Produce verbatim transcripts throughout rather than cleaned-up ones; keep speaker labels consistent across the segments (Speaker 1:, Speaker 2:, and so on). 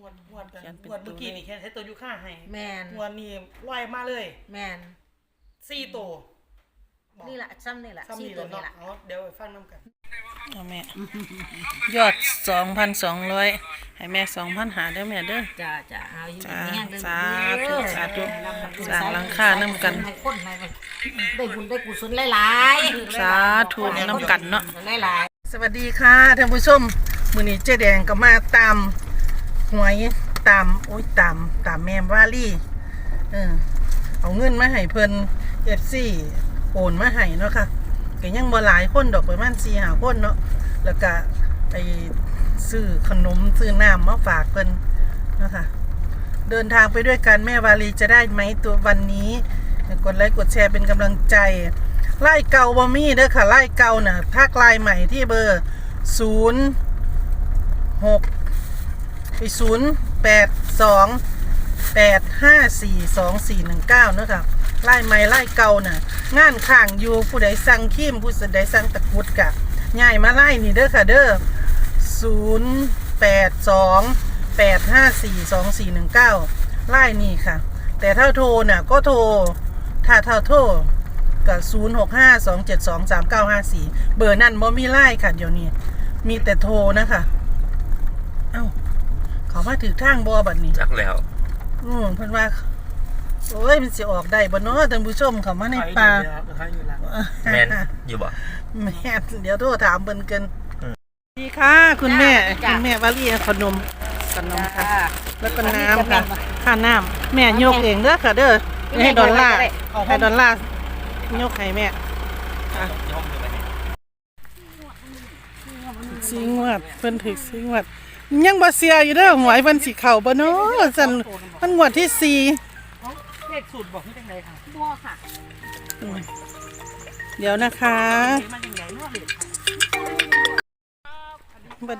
Speaker 1: วดงวดกันงวดเมื่อกี้นี่แค่ใช้ตัวยูค่าให้
Speaker 2: แมน
Speaker 1: งวดนี้ลอยมาเลย
Speaker 2: แมน
Speaker 1: สี่ตัว
Speaker 2: นี่แหละซ้ำนี่แหละสี่ตัวนี่แหละ
Speaker 1: เดี๋ยวไปฟังน้ำกัน
Speaker 3: เอาแม่ยอดสองพันสองร้อยให้แม่สองพันหาเด้อแม่เด้อ
Speaker 2: จ้าจ้าเอาอยู่
Speaker 3: จ้า
Speaker 2: แม่ง
Speaker 3: สาธุสาธุสร้างหลังคาน้ำกัน
Speaker 2: ให้คนให้ได้บุญได้กุศลหลาย
Speaker 3: ๆสาธุน้ำกันเนาะ
Speaker 2: หลาย
Speaker 1: ๆสวัสดีค่ะท่านผู้ชมมื้อนี้เจ๊แดงก็มาตามหวยตามโอ้ยตามตามแม่วาลี่เออเอาเงินมาให้เพิ่น เอฟ ซี โอนมาให้เนาะค่ะก็ยังบ่หลายคนดอกประมาณ สี่ห้า คนเนาะแล้วก็ไปซื้อขนมซื้อน้ำมาฝากเพิ่นเนาะค่ะเดินทางไปด้วยกันแม่วาลีจะได้ไหมตัววันนี้กดไลค์กดแชร์เป็นกำลังใจไล่เก่าบ่มีเด้อค่ะไล่เก่าน่ะทักไลน์ใหม่ที่เบอร์ศูนย์ หก ไปศูนย์ แปด สอง แปด ห้า สี่ สอง สี่ หนึ่ง เก้าเนาะค่ะไล่ใหม่ไล่เก่าน่ะงานข้างอยู่ผู้ใดสั่งขีมผู้ใดสั่งตะกุดกะง่ายมาไล่นี่เด้อค่ะเด้อศูนย์ แปด สอง แปด ห้า สี่ สอง สี่ หนึ่ง เก้าไล่นี่ค่ะแต่ถ้าโทรน่ะก็โทรถ้าถ้าโทรกับศูนย์ หก ห้า สอง เจ็ด สอง สาม เก้า ห้า สี่ เบอร์นั่นบ่มีไล่ค่ะเดี๋ยวนี้มีแต่โทรนะคะเอ้าเขามาถือทางบ่บัดนี้
Speaker 4: จักแล้ว
Speaker 1: อืมเพิ่นว่าโอ้ยมันสิออกได้บ่เนาะท่านผู้ชมเขามาในป่า
Speaker 4: แม่นอยู่บ่
Speaker 1: แม่เดี๋ยวโทรถามเพิ่นกันดีค่ะคุณแม่คุณแม่วาลีขนมขนมค่ะแล้วก็น้ำค่ะค่าน้ำแม่ยกเองเด้อค่ะเด้อให้ดอลลาร์ให้ดอลลาร์ยกให้แม่สิงวดเพิ่นถึกสิงวดยังบ่เสียอยู่เด้อหวยเพิ่นสิเข้าบ่เนาะซั่นมันงวดที่สี่เลขสูตรบอกให้จังได๋ค่ะบ่ค่ะเดี๋ยวนะคะมันยังไงเนาะบัด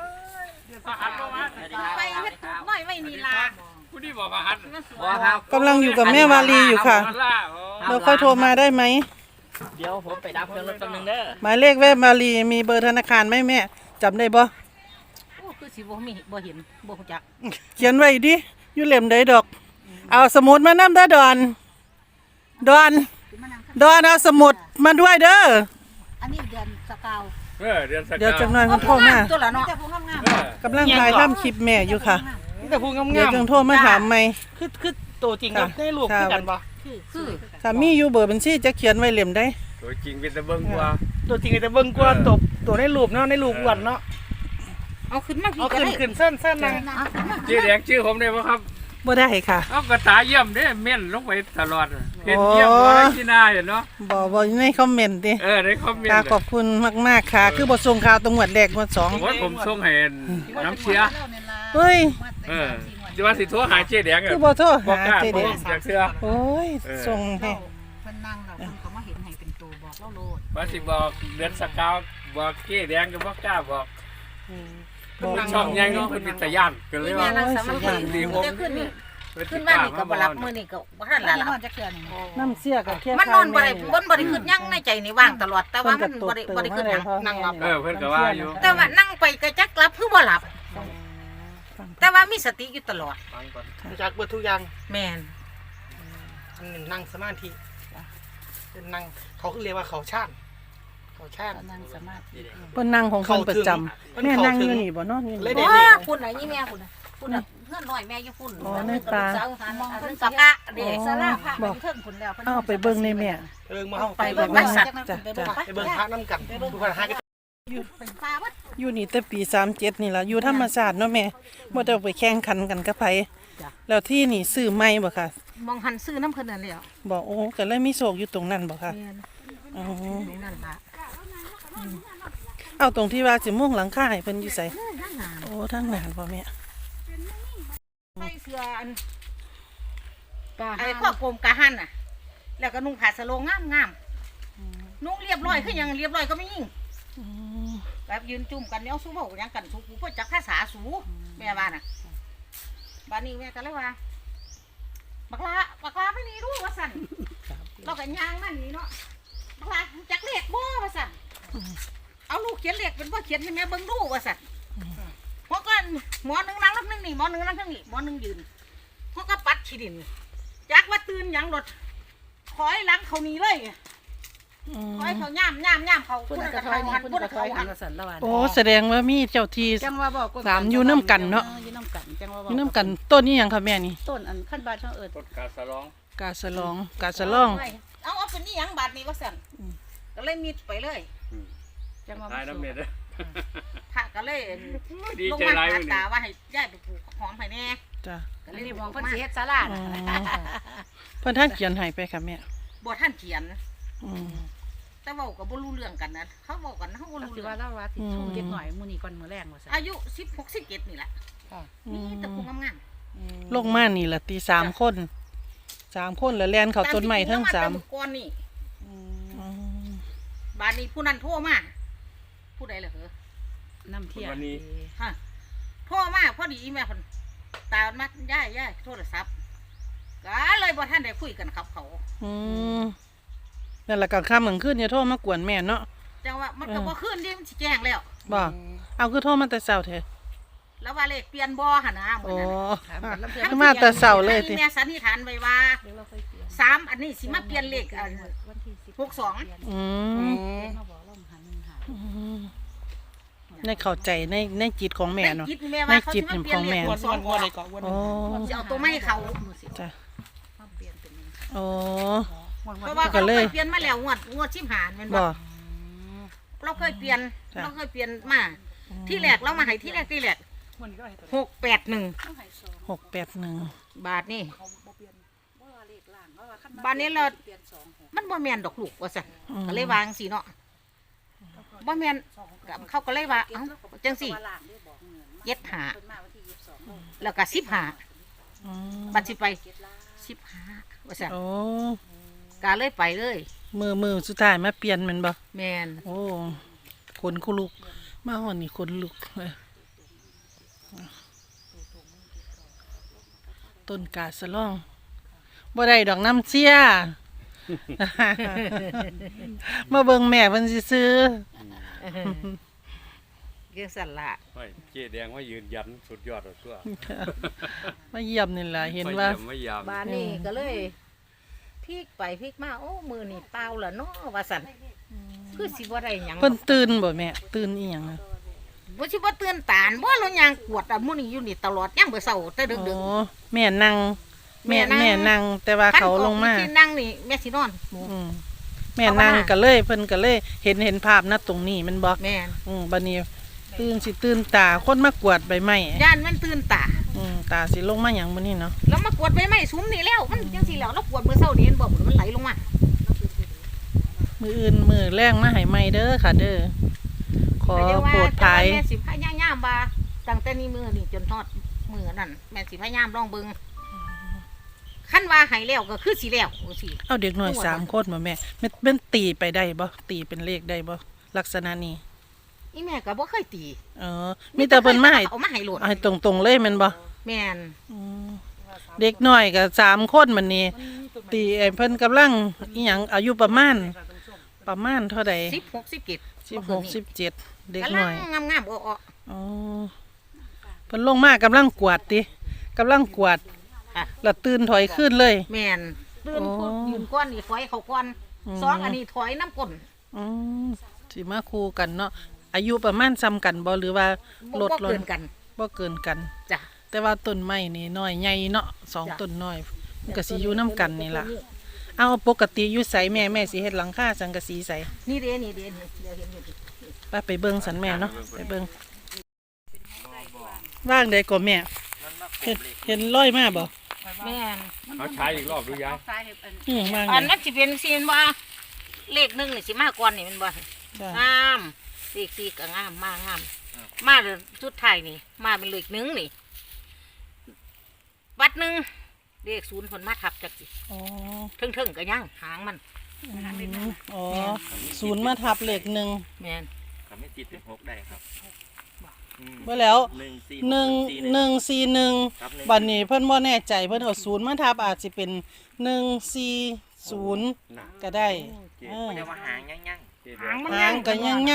Speaker 2: ไปเฮ็ดตุกน้อยไว้นี่ล่ะ
Speaker 4: ผู้นี้บอกว่าฮัดบ่
Speaker 1: ครับกำลังอยู่กับแม่วาลีอยู่ค่ะเราค่อยโทรมาได้ไหม
Speaker 4: เดี๋ยวผมไปดับเครื่องรถแป๊บนึงเด้อ
Speaker 1: หมายเลขแม่วาลีมีเบอร์ธนาคารไหมแม่จำได้บ่
Speaker 2: โอ้คือสิบ่มีบ่เห็นบ่รู้จัก
Speaker 1: เขียนไว้ดิอยู่เล่มใดดอกเอาสมุดมานำเด้อดอนดอนดอนเอาสมุดมาด้วยเด้อ
Speaker 2: อันนี้เดือนสกาว
Speaker 4: เออเดือนสกาว
Speaker 1: เดี๋ยวจังหน่อยเพิ่นโทรมา
Speaker 2: ตัวละเนาะแต่ผู้งาม
Speaker 1: ๆกำลังถ่ายทำคลิปแม่อยู่ค่ะ
Speaker 4: แต่ผู้งามๆ
Speaker 1: เดี๋ยวจังโทรมาถามใหม่
Speaker 4: คือคือตัวจริงกับในรูปคือกันบ่
Speaker 2: คือคือ
Speaker 1: ถ้ามีอยู่เบอร์บัญชีจะเขียนไว้เล่มใด
Speaker 4: ตัวจริงเป็นแต่เบิ่งกว่า
Speaker 1: ตัวจริงเป็นแต่เบิ่งกว่าตบตัวในรูปเนาะในรูปอ้วนเนาะ
Speaker 2: เอาขึ้นมา
Speaker 1: เอาขึ้นขึ้นเส้นเส้นนั่ง
Speaker 4: ชื่อแดงชื่อผมได้บ่ครับ
Speaker 1: บ่ได้ค่ะ
Speaker 4: เอากระตาเยี่ยมเด้เม่นลงไปตลอดเห็นเยี่ยมบ่ได้ที่หน้าเห็นเนาะ
Speaker 1: บ่บ่ในคอมเมนต์ติ
Speaker 4: เออในคอมเมนต์
Speaker 1: ค่ะขอบคุณมากๆค่ะคือบ่ส่งข่าวตรงหวดแรกหวดสอง
Speaker 4: โอ้ยผมส่งให้น้ำเชีย
Speaker 1: เฮ้ย
Speaker 4: เออจะว่าสิโทรหาเจ๊แดง
Speaker 1: คือบ่โทรหาเจ๊แดง
Speaker 4: อยากเชื่อ
Speaker 1: โอ้ยส่งให้
Speaker 2: เพิ่นนั่งแล้วเพิ่นก็มาเห็นให้เป็นตัวบอกเล่าโลด
Speaker 4: ว่าสิบอกเดือนสกาวบอกเจ๊แดงก็บ่กล้าบอกบอกช่องใหญ่เนาะเพิ่นมีตะย่านก็เลยว่า
Speaker 2: ดีผมขึ้นนี่ขึ้นมานี่ก็บ่รับมื้อนี่ก็บ่ทันละนอนจักเทื่อนี่
Speaker 1: น้ำเสียก็แค่
Speaker 2: มันนอนบ่ได้บ่บ่ได้คิดหยังในใจนี่ว่างตลอดแต่ว่ามันบ่ได้บ่ได้คิดหยังนั่งหลับ
Speaker 4: เออเพิ่นก็ว่าอยู่
Speaker 2: แต่ว่านั่งไปก็จักหลับคือบ่หลับแต่ว่ามีสติอยู่ตลอด
Speaker 1: จักเบิดทุกอย่าง
Speaker 2: แม่น
Speaker 1: อันนึงนั่งสมาธิเป็นนั่งเขาคือเรียกว่าเขาช่างเขาช่าง
Speaker 2: นั่งสมาธิ
Speaker 1: เพิ่นนั่งของเพิ่นประจำแม่นั่งอยู่นี่บ่เนาะนี่
Speaker 2: บ่คุณน่ะนี่แม่คุณน่ะคุณน่ะเฮือนน้อยแม่อยู่พุ่น
Speaker 1: อ๋อในตาม
Speaker 2: องเพิ่นสักะเด้ศาลาพระเพิ่นเทิงพุ่นแล้วเพิ่น
Speaker 1: เอาไปเบิ่งในแม่
Speaker 4: เบิ่งมาเฮา
Speaker 2: ไปเบิ่งวัดสัตว์
Speaker 1: จ้ะ
Speaker 4: ไปเบิ่งพระนำกันทุกคนหากัน
Speaker 1: อยู่อยู่นี่แต่ปีสามเจ็ดนี่ล่ะอยู่ธรรมชาติเนาะแม่บ่ได้ไปแข่งขันกันกับไผแล้วที่นี่ซื้อใหม่บ่ค่ะ
Speaker 2: มองหันซื้อน้ำเพิ่นนั่นแหละ
Speaker 1: บ่โอ้ก็เลยมีโศกอยู่ตรงนั้นบ่ค่ะ
Speaker 2: อ๋อตรงนั้นล่ะ
Speaker 1: เอาตรงที่ว่าสิมุ่งหลังคาให้เพิ่นอยู่ไสโอ้ทางนั้นบ่แม่
Speaker 2: ใส่เสื้ออันไอ้ข้อกลมกะหั่นน่ะแล้วก็นุ่งผ้าสโลงงามๆนุ่งเรียบร้อยคือหยังเรียบร้อยก็ไม่ยิ่งแบบยืนจุ่มกันเนี่ยสู้เว้าหยังกันสู้กูก็จักภาษาสู้แม่ว่าน่ะบัดนี้แม่ก็เลยว่าบักลาบักลาไม่นี่รู้ว่าสั่นเราก็ย่างนั่นนี่เนาะบักลาจักเลขบ่ว่าสั่นเอาลูกเขียนเลขเป็นบ่เขียนให้แม่เบิ่งดูว่าสั่นเพราะก็ว่าหมอหนึ่งนั่งรถนึงนี่หมอหนึ่งนั่งทั้งนี่หมอหนึ่งยืนเขาก็ปัดขี้ดินจักว่าตื่นหยังรถคอยหลังเขาหนีเลย
Speaker 3: อืม
Speaker 2: คอยเขาย่ามย่ามย่ามเขา
Speaker 5: พุ่น
Speaker 2: พูด
Speaker 5: กระ
Speaker 2: กับ
Speaker 5: ถอย
Speaker 2: เขา
Speaker 5: นี่
Speaker 2: หัน
Speaker 5: พุ่น
Speaker 2: พูด
Speaker 5: ก
Speaker 2: กั
Speaker 5: ระ
Speaker 2: บ
Speaker 5: ถอย
Speaker 2: เขา
Speaker 5: หั
Speaker 2: หั
Speaker 5: น
Speaker 2: น
Speaker 5: กระสันละวัน
Speaker 3: โอ้แสดงว่ามีเจ้าที่
Speaker 5: จังว่าบอก
Speaker 3: สามอยู่น้ำกันเนาะ
Speaker 5: อยู่น้ำกันจังว่าบ
Speaker 3: อ
Speaker 5: อก
Speaker 3: ยู่น้ำกันต้นนี้หยังค่ะแม่นี่
Speaker 5: ต้นอันขั้นบาดช่างเอิด
Speaker 4: ต้นกาสะร้อง
Speaker 3: กาสะลองกาสะลอง
Speaker 2: เอาเอาเป็นนี่หยังบาทนี่ว่าสั่นก็เลยมีดไปเลย
Speaker 5: จังว่า
Speaker 4: ตายน้ำเม็ดเด้อ
Speaker 2: พระก็เลย
Speaker 4: ดี
Speaker 2: ลง
Speaker 4: ใจ
Speaker 2: มา
Speaker 4: ร้าย
Speaker 2: หา
Speaker 4: วันนี้
Speaker 2: ตาว่าให้ย้ายไปปลูกหอมให้แน่
Speaker 3: จ้ะ
Speaker 2: ก็
Speaker 5: อัน
Speaker 2: เลย
Speaker 5: นี้
Speaker 2: บ
Speaker 5: ม
Speaker 2: อ
Speaker 5: อก ง
Speaker 2: เพิ่
Speaker 5: เพิ่
Speaker 2: น
Speaker 5: น
Speaker 2: สิ
Speaker 5: สิ
Speaker 2: เฮ็
Speaker 5: เฮ็
Speaker 2: ด
Speaker 5: ดศาลาน่ะ
Speaker 3: เพิ่นท่านเขียนให้ไปค่ะแม่
Speaker 2: บ่ท่านเขียน
Speaker 3: อืม
Speaker 2: แต่เว้าก็บ่รู้เรื่องกันนะเขาเว้ากันเฮาบ่
Speaker 5: เรา
Speaker 2: รู้
Speaker 5: สิ
Speaker 2: เรื่อ
Speaker 5: ว่าง เล่าว่าสิชูเด็กหน่อยมื้อนี้ก่อนมื้อแรงว่าซั่น
Speaker 2: อายุสิบหก สิบเจ็ดนี่แหละ
Speaker 5: ค่ะ
Speaker 2: มีแต่ผู้งาม
Speaker 3: ลงมานี่ล่ะตีสามคนสามคนแล้วแล่น
Speaker 2: ๆ
Speaker 3: เขาต้นไม้ทั้งสาม
Speaker 2: ตที่ผู้งแต่ก่อนนี่
Speaker 3: อืม
Speaker 2: บาดนี้ผู้นั้นโทรมาผู้ใดล่ะเหรอ
Speaker 5: น้ำเที่ยง
Speaker 2: ฮะโทรมาพอดีอีแม่เพิ่นตามมาย้ายย้ายโทรศัพท์ก็เลยบ่ทันได้คุยกันครับเขา
Speaker 3: อืมนั่นแหละกลางค่ำกลางคืนอย่าโทรมากวนแม่เนาะ
Speaker 2: จังว่ามันก็บ่คืนดิมันสิแจ้งแล้ว
Speaker 3: บ่เอาคือโทรมาแต่เช้าแท้
Speaker 2: แล้วว่าเลขเปลี่ยนบ่หั่นนะมื้
Speaker 3: โอ้
Speaker 2: อนั้นน่ะ
Speaker 3: คือมาแต่เช้าเลยติ
Speaker 2: ให้แม่สันนิษฐานไว้ว่า
Speaker 5: เดี๋ยวเราค่อยเปลี่ยน
Speaker 2: สามอันนี้สิมาเปลี่ยนเลขอัน
Speaker 5: วันที่สิบ
Speaker 2: หกสอง
Speaker 3: อืม
Speaker 5: มาบอกเราหันหนึ่งหา
Speaker 3: อืมในเข้าใจในในจิตของแม่เนาะ
Speaker 2: ในจิตแม่ว่าเขาสิมาเปลี่ยนเลข
Speaker 3: ในจิต
Speaker 2: หกสองก่อน
Speaker 3: โอ้
Speaker 2: สิเอาตัวไม่ให้เขา
Speaker 3: จ้ะ
Speaker 5: มาเปลี่ยนเป็นหนึ่ง
Speaker 3: โอ้
Speaker 2: เพราะว่า
Speaker 3: ก็
Speaker 2: เขา
Speaker 3: เล
Speaker 2: เค
Speaker 3: ย
Speaker 2: ยเปลี่ยนมาแล้วงวดงวดชิมหานแม่นบ่
Speaker 3: บ่
Speaker 2: เราเคยเปลี่ยน
Speaker 3: จ้ะ
Speaker 2: เราเคยเปลี่ยนมาที่แรกเรามาให้ที่แรกที่แรกหกแปดหนึ่ง
Speaker 3: หกแปดหนึ่ง
Speaker 2: บาทนี่
Speaker 5: ว่าเลขล่างว่าว่าขั้น
Speaker 2: บ้านนี้เรา
Speaker 5: เปลี่ยนสองหก
Speaker 2: มันบ่แม่นดอกลูกว่าซั่นก็เลยวางสิเนาะบ่แม่นก็เขาก็เลยว่าเอ้าจังสิ
Speaker 5: ว่าล่างได้บอกเงิน
Speaker 2: เย็ดหา
Speaker 5: เพิ่นมาวันที่ยี่สิบสอง
Speaker 2: แล้วก็สิบห้า
Speaker 3: อืม
Speaker 2: บัดสิไปสิบห้าว่าซั่น
Speaker 3: โอ้
Speaker 2: ก็เลยไปเลย
Speaker 3: มือมือสุดท้ายมาเปลี่ยนแมันบ่
Speaker 2: แม่น
Speaker 3: โอ้ขนคุลุก มาหอนนี่ขนลุกเลยต้นกาสะล่องบ่ได้ดอกน้ำเชี่ย มาเบิ่งแม่เพิ่นสิซื้อ
Speaker 2: เรื่องสั่นละ
Speaker 4: โอ้ยเจ๊แดงว่ายืนยันสุดยอดเอาตัว
Speaker 3: มาเยี่ยมนี่ล่ะเห็นว่า
Speaker 4: ไม่ยาม
Speaker 2: บ้านนี้ก็เลยพลิกไปพลิกมาโอ้มือนี่เปล่าละเนาะว่าซั่นคือสิบ่ได้หยัง
Speaker 3: เพิ่นตื่นบ่แม่ตื่นอีหยังอะ
Speaker 2: บ่สิบ่ตื่นตานบ่เรายางกวดอ่ะมื้อนี้อยู่นี่ตลอดยามมื้อเช้าแต่ดึก
Speaker 3: โอ้แม่นั่งแม่
Speaker 2: แม่
Speaker 3: แม่
Speaker 2: นั่
Speaker 3: นั่ง
Speaker 2: ง
Speaker 3: แต่ว่า
Speaker 2: ๆ
Speaker 3: เขาลงมา
Speaker 2: คันออกวิธีนั่งนี่แม่สินอน
Speaker 3: อืมแม่นั่งก็เลยเพิ่นก็เลยเห็นเห็นภาพนะตรงนี้แมันบ่
Speaker 2: แม่น
Speaker 3: อืมบัดนี้ตื่นสิตื่นตาคนมากวาดใบไม้
Speaker 2: ย่านมันตื่นตา
Speaker 3: อืมตาสิลงมาหยังมื้อนี้เนาะ
Speaker 2: แล้วมากวดใบไม้สุมนี่แล้วมันจังซี่แล้วเรากวดมื้อเช้านี่เห็นบ่มันไหลลงมา
Speaker 3: มื้ออื่นมื้อแรงมาให้ใหม่เด้อค่ะเด้อขอ
Speaker 2: แต่เดี๋ยวว่า
Speaker 3: โปรด
Speaker 2: แต่
Speaker 3: ภาย
Speaker 2: ว่าแม่สิพยายามว่าตั้งแต่นี้มื้อนี่จนทอดมื้อนั้นแม่สิพยายามลองเบิ่งคันว่าให้แล้วก็คือสิแล้วจังซี่
Speaker 3: เอาเด็กน้อยสามคนบ่แม่แม่เป็นตีไปได้บ่ตีเป็นเลขได้บ่ลักษณะนี้
Speaker 2: อีแม่ก็บ่เคยตี
Speaker 3: เออมีแต่เพิ่นมาให้
Speaker 2: เอามาให้โหลด
Speaker 3: ให้ตรงๆเลยแม่นบ่
Speaker 2: แม่น
Speaker 3: อืมเด็กน้อยก็สามคนมันนี่ตีไอ้เพิ่นกำลังอีหยังอายุประมาณ ประมาณเท่าใด
Speaker 2: สิบหก สิบเจ็ด
Speaker 3: สิบหก สิบเจ็ดเด็ก
Speaker 2: กำลั
Speaker 3: น้
Speaker 2: ง
Speaker 3: อย
Speaker 2: งามๆอ้อ
Speaker 3: อ๋อเพิ่นลงมากำลังกวาดติกำลังกวาด
Speaker 2: ๆค่ะ
Speaker 3: แล้วตื่นถอยขึ้นเลย
Speaker 2: แม่นตื่น
Speaker 3: โอ้
Speaker 2: พูดยืนก้อนนี่ถอยเขาก้อน
Speaker 3: อืม
Speaker 2: สองอันนี้ถอยน้ำก้น
Speaker 3: อืมสิมาคู่กันเนาะอายุประมาณซ้ำกันบ่หรือว่า
Speaker 2: บ่
Speaker 3: ลด
Speaker 2: บ่
Speaker 3: ล
Speaker 2: เกิ
Speaker 3: ง
Speaker 2: นกัน
Speaker 3: บ่เกินกัน
Speaker 2: จ้ะ
Speaker 3: แต่ว่าต้นไม้นี่น้อยใหญ่เนาะสอง
Speaker 2: จ้ะ
Speaker 3: ต้นน้อยมันก็สิอยู่นํกันนี่ล่ะเอาปกติอยู่ไสแม่แม่สิเฮ็ดหลังคาสังกะสีไส
Speaker 2: นี่เด้นี่เด้นี่เดี๋ยวเห็นอยู่ดิ
Speaker 3: ไปไปเบิ่งสันแม่เนาะไปเบิ่งว่างใดก็แม่เห็นเห็นร้อยมาบ่
Speaker 2: แม่น
Speaker 4: เขาใช้อีกรอบดูยาย
Speaker 3: อือว่าง
Speaker 2: อัน
Speaker 3: ใด
Speaker 2: นั้นสิเป็นซีนว่าเลขหนึ่งนี่สิมาก่อนนี่แมันบ่
Speaker 3: จ้ะ
Speaker 2: งามเลขสี่ก็งามมากงามมาเลยสุดท้ายนี่ มาเป็นเลขหนึ่งนี่วัดหนึ่งเลขศูนย์คนมาทับจักสิ
Speaker 3: อ๋อ
Speaker 2: เทิงๆก็ยังหางมัน
Speaker 3: อืมอ๋อศูนย์มาทับเลขหนึ่ง
Speaker 2: แม่น
Speaker 6: ทำให้ติดเป็นหกได้ครับอืม
Speaker 3: เมื่อแล้ว
Speaker 6: หนึ่งสี่
Speaker 3: หนึ่งหนึ่งสี่หนึ่ง
Speaker 6: ครับหนึ่ง
Speaker 3: บัดนี้เพิ่นบ่แน่ใจเพิ่นเอาศูนย์มาทับอาจสิเป็นหนึ่งสี่ศูนย์
Speaker 6: นะ
Speaker 3: ก็ได้
Speaker 6: เจ๊
Speaker 3: เออ
Speaker 6: เรียกว่าหางยั่งยั่ง
Speaker 4: เจ๊แด
Speaker 2: หาง
Speaker 4: ง
Speaker 2: มัน
Speaker 3: หางก็ยังยัง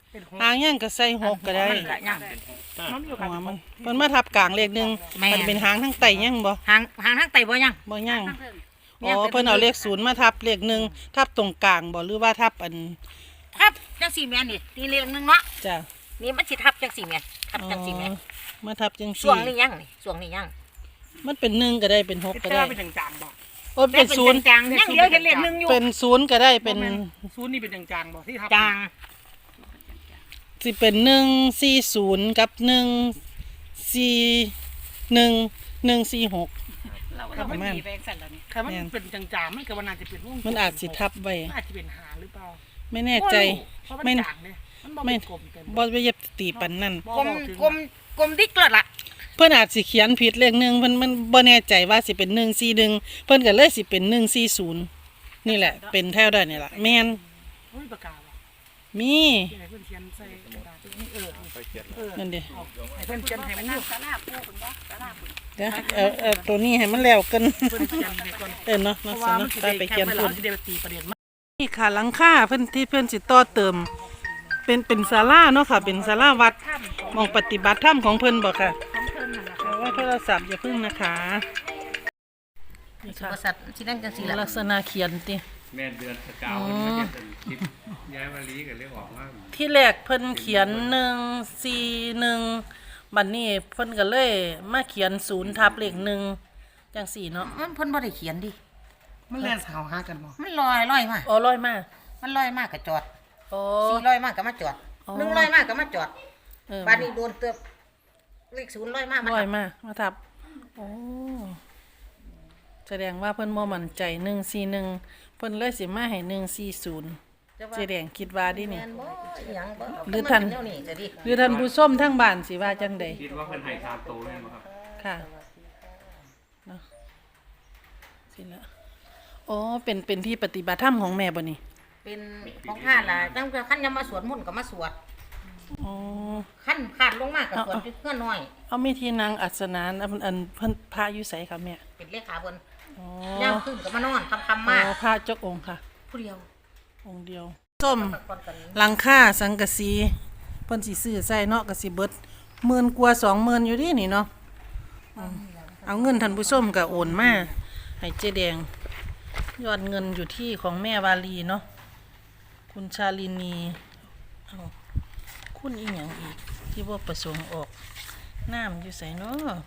Speaker 5: เป็นหก
Speaker 3: หางย่างก็ใส่หกก็ได้
Speaker 2: มันก็ยัง
Speaker 5: มันอยู่
Speaker 3: หั
Speaker 5: กับ
Speaker 3: วมันเพิ่นมาทับกลางเลขหนึ่ง
Speaker 2: แม่น
Speaker 3: มันเป็นหางทั้งไตย่างบ่
Speaker 2: หางหางทางไตบ่ยัง
Speaker 3: บ่ย่าง
Speaker 5: ทั้งเรื่อง
Speaker 3: อ๋อเพิ่นเอาเลขศูนย์มาทับเลขหนึ่งทับตรงกลางบ่หรือว่าทับอัน
Speaker 2: ทับจังสี่แม่นนี่นี่เรียงหนึงเนาะ
Speaker 3: จ้ะ
Speaker 2: นี่มันสิทับจังสี่แม่นทับจังสี่แม่น
Speaker 3: อ๋อมาทับจัง
Speaker 2: ช่ว
Speaker 3: สี่
Speaker 2: งนี้ยังนี่ช่วงนี้ยัง
Speaker 3: มันเป็นหนึ่งก็ได้เป็นหกก็
Speaker 5: เจ้า
Speaker 3: ได้
Speaker 5: เป็นจางๆบอก
Speaker 3: โอ้เป็นศูนย์
Speaker 2: จางๆยังเดียวเห็นเลขหนึ่งอยู่
Speaker 3: เป็นศูนย์ก็ได้เป็น
Speaker 5: ศูนย์นี่เป็นจางๆบอกที่ทับ
Speaker 2: จาง
Speaker 3: สิเป็นหนึ่งสี่ศูนย์กับหนึ่งสี่หนึ่งหนึ่งสี่หก
Speaker 5: เรา
Speaker 3: ครับ
Speaker 5: มัน
Speaker 3: แม่น
Speaker 5: มีแรงสั่นแล้วนี่ค่ะมันเป็นจางๆมันก็ว่าน่าจะเป็นวง
Speaker 3: มันอาจสิทับไว้
Speaker 5: มันอาจจะเป็นหาหรือเปล่า
Speaker 3: ไม่แน่ใจ
Speaker 5: เพราะมัน
Speaker 3: ไม่
Speaker 5: จางเนี่ยมันบ่
Speaker 3: ไม่
Speaker 5: เป็นกลมเต็ม
Speaker 3: บ่ไปเย็บตีปันนั่น
Speaker 2: กลมกลมกลมดิกเลิศล่ะ
Speaker 3: เพิ่นอาจสิเขียนผิดเลขหนึ่งเพิ่นมันบ่แน่ใจว่าสิเป็นหนึ่งสี่หนึ่งเพิ่นก็เลยสิเป็นหนึ่งสี่ศูนย์นี่แหละ เป็นแถวได้นี่ล่ะแม่น
Speaker 5: เฮ้ยปากกาว่ะ
Speaker 3: มี
Speaker 5: ที่ไหนเพื่อนเขียนใส่กระดาษนี่เออ
Speaker 6: ไปเขียน
Speaker 5: เออ
Speaker 3: นั่นเด้
Speaker 5: ให้เพื่อนเขียนให้มันอยู่
Speaker 2: สาราปูคุณบ่สาราปู
Speaker 3: เดี๋ยวเอาเอาตัวนี้ให้มันแล้วกัน
Speaker 5: เพื่อนเขียนให้ก่อน
Speaker 3: เออเนาะ
Speaker 5: เพ
Speaker 3: เนาะ
Speaker 5: ราะ
Speaker 3: สิ
Speaker 5: ว่ามัน
Speaker 3: เนาะ
Speaker 5: สิ
Speaker 3: ไป
Speaker 5: ได้
Speaker 3: ไป
Speaker 5: แค
Speaker 3: เขีย
Speaker 5: ป
Speaker 3: น
Speaker 5: ไว้
Speaker 3: พุ่
Speaker 5: แล้ว
Speaker 3: น
Speaker 5: สิได้ไปตีประเด็นมา
Speaker 3: นี่ค่ะหลังคาเพิ่นที่เพิ่นสิต่อเติม เป็นเป็นศาลาเนาะค่ะ เป็นศาลาวัดหมองปฏิบัติธรรมของเพิ่นบ่ค่ะ
Speaker 5: ของเพิ่นนั่นแหละ
Speaker 3: เอาว่าโทรศัพท์อย่าพึ่งนะคะนี่ค่ะ
Speaker 2: บริษัทสินั่งจังสี่ล่ะ
Speaker 3: ลักษณะเขียนติ
Speaker 4: แม่นเดือนสกาวมันก็จะเป็นคลิปย้ายมาลีกันเลยออกมา
Speaker 3: ที่แรกเพิ่นเขียนหนึ่งสี่หนึ่งบัดนี้เพิ่นก็เลยมาเขียนศูนย์ทับเลขหนึ่งจังสี่เนาะ
Speaker 2: มันเพิ่นบ่ได้เขียนดิ
Speaker 5: มันแล่นสาวหากันบ่
Speaker 2: มันลอยลอยมา
Speaker 3: อ๋อร้อยมา
Speaker 2: มันลอยมากก็จอด
Speaker 3: อ๋อ
Speaker 2: สี่ลอยมากก็มาจอด
Speaker 3: อ๋อ
Speaker 2: หนึ่งลอยมากก็มาจอด
Speaker 3: เออ
Speaker 2: บ้านนี้โดนเตือบเลขศูนย์ลอยมากมัน
Speaker 3: ร้อยมามาทับโอ้แสดงว่าเพิ่นบ่มั่นใจหนึ่งสี่หนึ่งเพิ่นเลยสิมาให้หนึ่งสี่ศูนย์
Speaker 2: จะว่า
Speaker 3: เจแดงคิดว่าดิ
Speaker 2: แม่
Speaker 3: นี่
Speaker 2: นบ่อีหยังบ่
Speaker 3: หรือท่าน
Speaker 2: มัเป็แวนี้จะดิ
Speaker 3: หรือท่านผู้ชมทั้งบ้านสิว่าจังใด
Speaker 4: คิดว่าเพิ่นให้ตามโตเลยมั้งครับ
Speaker 3: ค่ะเนาะสิละอ๋อเป็นเป็นที่ปฏิบัติธรรมของแม่บ่นี่
Speaker 2: เป็นของข้าล่ะจังแต่คันยามมาสวดมนต์ก็มาสวด
Speaker 3: อ๋อ
Speaker 2: คันขาดลงมากก็สวด
Speaker 3: เอา
Speaker 2: อยู่เพื่อน้อย
Speaker 3: เอามีที่นางอัศนานอันอันเพิ่นพระอยู่ไสค่ะแม่
Speaker 2: เป็นเลขาเพิ่น
Speaker 3: อ๋อ
Speaker 2: ย่ามขึ้นก็มานอนคำคำ
Speaker 3: อ๋
Speaker 2: มาก
Speaker 3: อพระจกองค์ค่ะ
Speaker 2: ผู้เดียว
Speaker 3: องค์เดียวส้ม
Speaker 2: พักผ่อนกัน
Speaker 3: หลังคาสังกะสีเพิ่นสิซื้อใส่เนาะก็สิเบิดหมื่นกว่าสองหมื่นอยู่ดินี่เนาะอืมเอาเงินท่านผู้ชมก็โอนมาให้เจ๊แดงยอดเงินอยู่ที่ของแม่วาลีเนาะคุณชาลินีเอาคุณอีหยังอีกที่ว่าประสงค์ออกน้ำอยู่ใส่เนาะ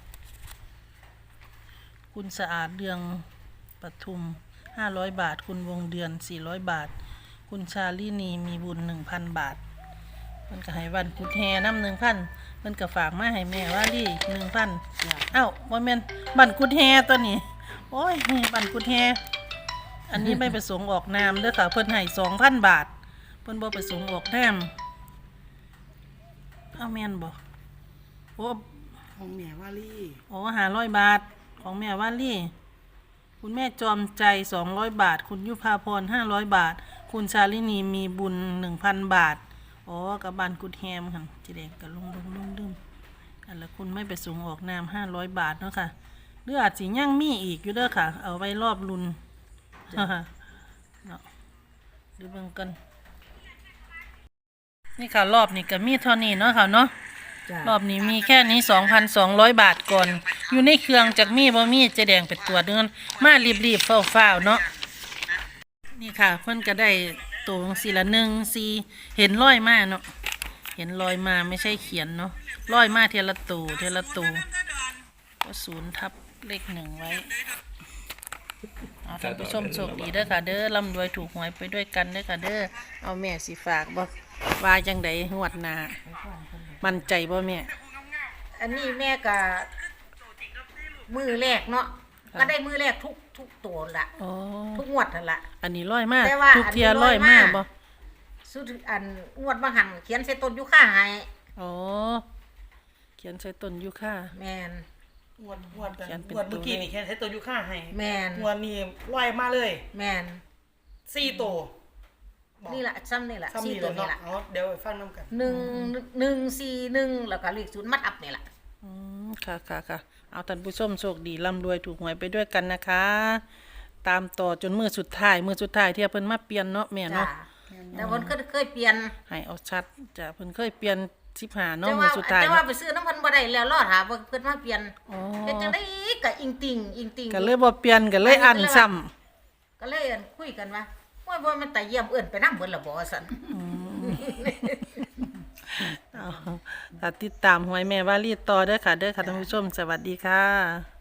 Speaker 3: คุณสะอาดเดืองปทุมห้าร้อยบาท คุณวงเดือนสี่ร้อยบาท คุณชาลินีมีบุญหนึ่งพันบาทมันก็ให้วันกุดแฮน้ำหนึ่งพันมันก็ฝากมาให้แม่ว่าลี่หนึ่งพันเอ้าว่าแม่นบันกุดแฮตัวนี้ โอ้ยบันกุดแฮอันนี้ไม่ประสงค์ออกนามเด้อค่ะเพิ่นให้สองพันบาท เพิ่นบ่ประสงค์ออกนามเอาแม่นบ่โอ้
Speaker 5: ของแม่วาลี่
Speaker 3: โอ้หาร้อยบาทของแม่ว่าลี่ คุณแม่จอมใจสองร้อยบาท คุณยุพาพรห้าร้อยบาท คุณชาลินีมีบุญหนึ่งพันบาท อ๋อกับบันกุดแฮมค่ะจีแดงกับลุงลุงลุงดึมอันละคุณไม่ไปสูงออกนามห้าร้อยบาทเนาะค่ะหรืออาจสิย่างมีอีกอยู่เด้อค่ะ เอาไว้รอบรุน เนาะดูเบิ่งกัน นี่ค่ะรอบนี้ก็มีเท่านี้เนาะค่ะเนาะ รอบนี้มีแค่นี้ สองพันสองร้อย บาทก่อน อยู่ในเครื่องจากมีบ่มีเจะแดงเป็นตัวเดินมารีบๆเฝ้าๆเนาะนี่ค่ะเพิ่นก็ได้ตัวสีละหนึ่งสีเห็นร้อยมาเนาะเห็นรอยมาไม่ใช่เขียนเนาะร้อยมาเทละตูเทละตูก็ศูนย์ทับเลขหนึ่งไว้เอาท่านผู้ชมโชคดีเด้อค่ะเด้อร่ำรวยถูกหวยไปด้วยกันเด้อค่ะเด้อเอาแม่สิฝากบ่ว่าจังใดงวดหน้ามั่นใจบ่แม่
Speaker 2: อันนี้แม่ก็มือแรกเนาะก็ได้มือแรกทุกทุกตัวละ
Speaker 3: อ๋อ
Speaker 2: ทุกงวดนั่นละ
Speaker 3: อันนี้ร้อยมาก
Speaker 2: แต่ว่า
Speaker 3: ทุกเทีย
Speaker 2: อันนี้
Speaker 3: ร้อย
Speaker 2: ร้อย
Speaker 3: มาม
Speaker 2: าก
Speaker 3: บ่
Speaker 2: สุดอันงวดบางหันเขียนใส่ต้นยูค่าให้
Speaker 3: อ๋อเขียนใส่ต้นยูคา
Speaker 2: แม่น
Speaker 5: งวดงวด
Speaker 3: เขียนเป็น
Speaker 5: งวดเมื่อกี้
Speaker 3: ตัวเลข
Speaker 5: นี่แค่ใช้ตัวยูค่าให้
Speaker 2: แม่น
Speaker 5: งวดนี้ลอยมาเลย
Speaker 2: แม่น
Speaker 5: สี่ตัวบอก
Speaker 2: นี่ละซ้ำนี่ละ
Speaker 5: ซ้ำ
Speaker 2: สี่
Speaker 5: นี่
Speaker 2: ตัว
Speaker 5: เลย
Speaker 2: นี่
Speaker 5: เนาะ
Speaker 2: ละ
Speaker 5: เอาเดี๋ยวไปฟังน้ำกัน
Speaker 2: หนึ่งหนึ่งสี่หนึ่งแล้วก็เลขศูนย์มัดอับนี่ละ
Speaker 3: อืมค่ะค่ะค่ะเอาท่านผู้ชมโชคดีร่ำรวยถูกหวยไปด้วยกันนะคะ ตามต่อจนมือสุดท้ายมือสุดท้ายที่เพิ่นมาเปลี่ยนเนาะแม่
Speaker 2: จ้า
Speaker 3: เนาะ
Speaker 2: แต่คนก็เคยเปลี่ยน
Speaker 3: ให้เอาชัดจ้ะเพิ่นเคยเปลี่ยนสิบห้าเนาะ
Speaker 2: แต่
Speaker 3: มื้
Speaker 2: ว่า
Speaker 3: อสุดท้าย
Speaker 2: แต่ว่าไปซื้อน้ำเพันบ่ได้แล้วรอดหาเพิ่นมาเปลี่ยน
Speaker 3: อ๋อ
Speaker 2: เฮ็ดจังได๋ก็อิงติ่งอิงติ่ง
Speaker 3: ก็เลยบ่เปลี่ยนก็เลยอันซ้ำ
Speaker 2: ก็เลยคุยกันว่าว่าบ่มันตาเยี่ยมเอิ้นไปนำเบิดละบ่ซั่น
Speaker 3: เอาค่ะติดตามหวยแม่วาลีต่อเด้อค่ะเด้อค่ะท่านผู้ชมสวัสดีค่ะ